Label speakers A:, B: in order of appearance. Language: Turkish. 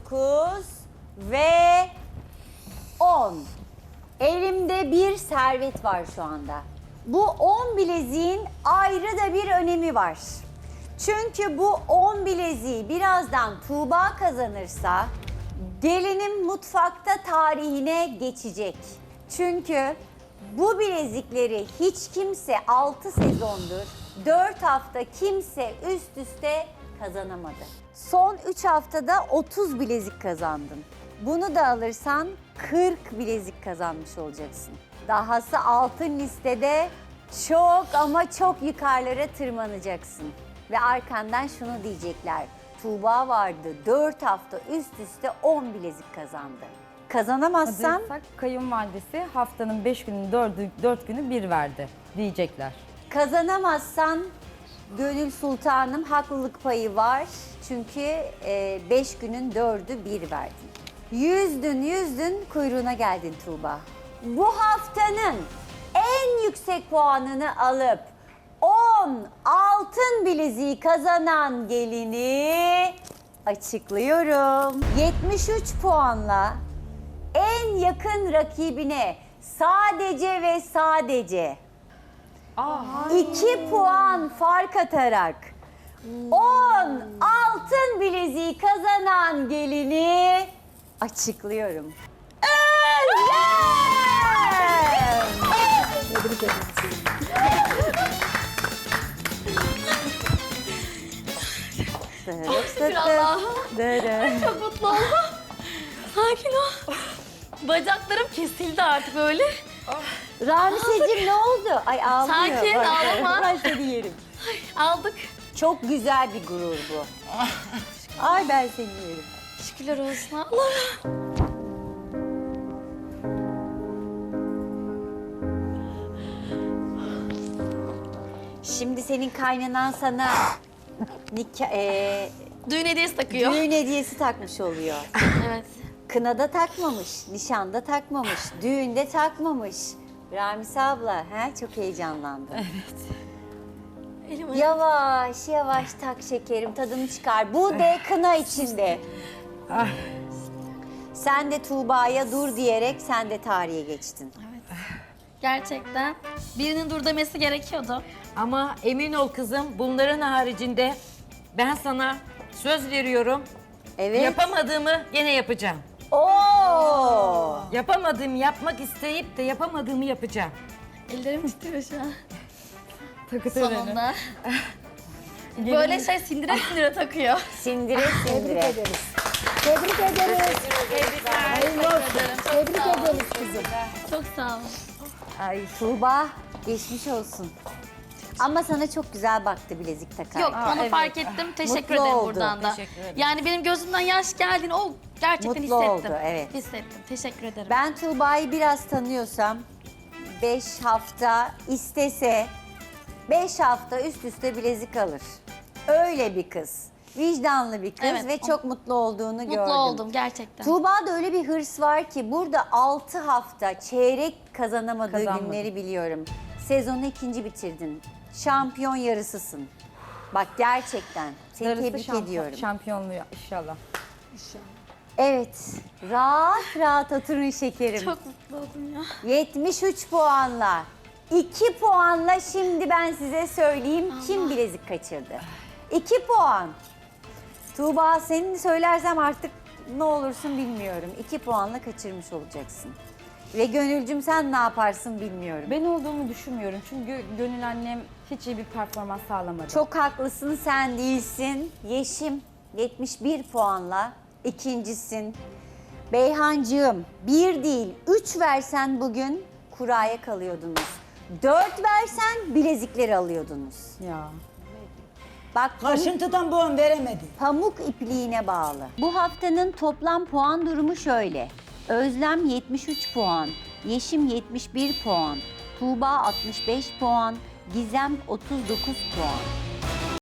A: 9 ve 10. Elimde bir servet var şu anda. Bu 10 bileziğin ayrı da bir önemi var. Çünkü bu 10 bileziği birazdan Tuğba kazanırsa gelinin mutfakta tarihine geçecek. Çünkü bu bilezikleri hiç kimse 6 sezondur, 4 hafta kimse üst üste kazanamadı. Son 3 haftada 30 bilezik kazandın. Bunu da alırsan 40 bilezik kazanmış olacaksın. Dahası altın listede çok ama çok yukarılara tırmanacaksın. Ve arkandan şunu diyecekler. Tuğba vardı 4 hafta üst üste 10 bilezik kazandı. Kazanamazsan
B: Hazırsak kayınvalidesi haftanın 5 günün 4 günü bir verdi diyecekler.
A: kazanamazsan Gönül Sultanım haklılık payı var. Çünkü 5 günün 4'ü 1 verdin. Yüzdün kuyruğuna geldin Tuğba. Bu haftanın en yüksek puanını alıp 10 altın bileziği kazanan gelini açıklıyorum. 73 puanla en yakın rakibine sadece ve sadece 2 puan fark atarak 10 altın bileziği kazanan gelini açıklıyorum.
C: Allah'ım. Çok mutlu oldum. Sakin ol. Bacaklarım kesildi artık böyle.
A: Ramiseciğim ne oldu? Ay ağlıyor.
C: Sakin,
A: Bak,
C: ağlama.
A: Ben seni yerim.
C: Aldık.
A: Çok güzel bir gurur bu. Ay ben seni yerim.
C: Şükürler olsun Allah'ım.
A: Şimdi senin kaynanan sana
C: Düğün hediyesi takıyor.
A: düğün hediyesi takmış oluyor.
C: Evet.
A: Kınada takmamış, nişanda takmamış, düğünde takmamış. Ramis abla, çok heyecanlandım.
C: Elim
A: Yavaş yavaş tak şekerim, tadını çıkar. Bu de kına içinde. Sen de Tuğba'ya dur diyerek sen de tarihe geçtin.
C: Gerçekten birinin dur demesi gerekiyordu.
D: Ama emin ol kızım, bunların haricinde ben sana söz veriyorum.
A: Evet.
D: Yapamadığımı gene yapacağım.
A: Oo!
D: Yapamadığımı yapmak isteyip de yapamadığımı yapacağım.
C: Ellerim titriyor şu an.
B: Takı
C: Sonunda. Böyle sindire sindire takıyor.
A: Sindire sindire.
E: Tebrik ederiz.
C: Hayırlı olsun.
E: Tebrik ederiz kızım.
C: Çok sağ olun.
A: Ay Tuğba, geçmiş olsun. Ama sana çok güzel baktı bilezik takarken.
C: Yok onu fark ettim. Teşekkür
A: Mutlu
C: ederim
A: oldu.
C: buradan da.
D: Teşekkür ederim.
C: Yani benim gözümden yaş geldiğini o gerçekten
A: Mutlu
C: hissettim.
A: oldu, evet.
C: Hissettim. Teşekkür ederim.
A: Ben Tuğba'yı biraz tanıyorsam 5 hafta istese 5 hafta üst üste bilezik alır. Öyle bir kız. Vicdanlı bir kız
C: Evet,
A: ve çok mutlu olduğunu gördüm.
C: Mutlu oldum gerçekten.
A: Tuğba'da öyle bir hırs var ki burada 6 hafta çeyrek kazanamadığı
B: Kazanmadı.
A: günleri biliyorum. Sezonu 2. bitirdin. Şampiyon yarısısın. Bak gerçekten seni
B: Darısı
A: tebrik ediyorum.
B: Şampiyonluğu inşallah.
A: Evet, rahat rahat oturun şekerim.
C: Çok mutlu oldum ya.
A: 73 puanla, 2 puanla şimdi ben size söyleyeyim kim bilezik kaçırdı. 2 puan. Tuğba senin söylersem artık ne olursun bilmiyorum. 2 puanla kaçırmış olacaksın. Ve Gönülcüm sen ne yaparsın bilmiyorum.
B: Ben olduğumu düşünmüyorum çünkü Gönül annem hiç iyi bir performans sağlamadı.
A: Çok haklısın, sen değilsin. Yeşim 71 puanla ikincisin. Beyhancığım 1 değil 3 versen bugün kuraya kalıyordunuz. 4 versen bilezikleri alıyordunuz.
B: Ya.
A: Bak
E: Kaşıntıdan puan veremedi.
A: pamuk ipliğine bağlı. Bu haftanın toplam puan durumu şöyle. Özlem 73 puan, Yeşim 71 puan, Tuğba 65 puan, Gizem 39 puan.